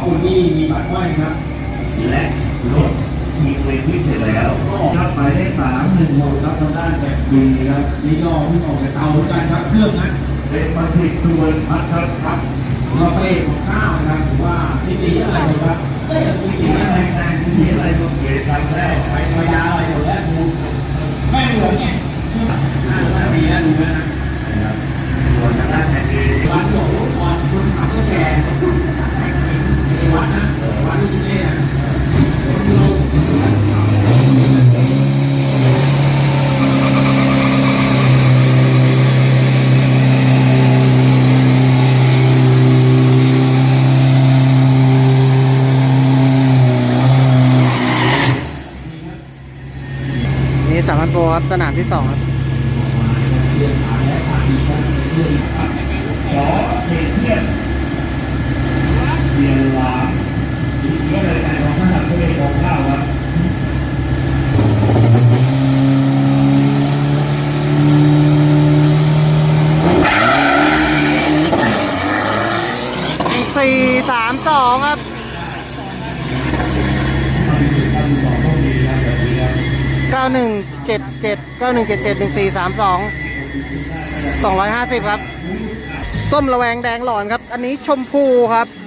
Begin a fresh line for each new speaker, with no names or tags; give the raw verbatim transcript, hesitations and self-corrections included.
คุณที่มีบัตรห้อยครับ
และรถมีเวทีเสร็จแล้วก็รับหมายเลขสามหนึ่งหกครับทางด้านแบบดีครับนี่ก็เพิ่งออกจากเตาเหมือนกันครับเครื่องนะเป็นมาสิบสุวรรณพัฒน์ครับครับ
เราเฟ่ของข้าวนะครับถือว่าที่ดีอะไรครับเอ้ยมีดีอะไรงานที่อะไรตัวเกียรติทำแล้วไปพยาอะไรหมดแล้วดูไม่เหมือนไงห้าห้าปีแล้วดูนะครับ
ส่วนทางด้านแผ่นดิน
วัดหลวงพ่อคุณขับรถแก่วัดนะวัดที่นี่นะ
นี่สามพันโปรครับสนามที่สองครับ
ขอเทียนเทียนเทียนหลามอีกก็เลยการของข้าวก็เลยของข้าวครับ
สี่สามสองครับเก้าหนึ่งเจ็ดเจ็ดเก้าหนึ่งเจ็ดเจ็ดหนึ่งสี่สามสองสองร้อยห้าสิบครับส้มระแวงแดงหลอนครับอันนี้ชมพูครับ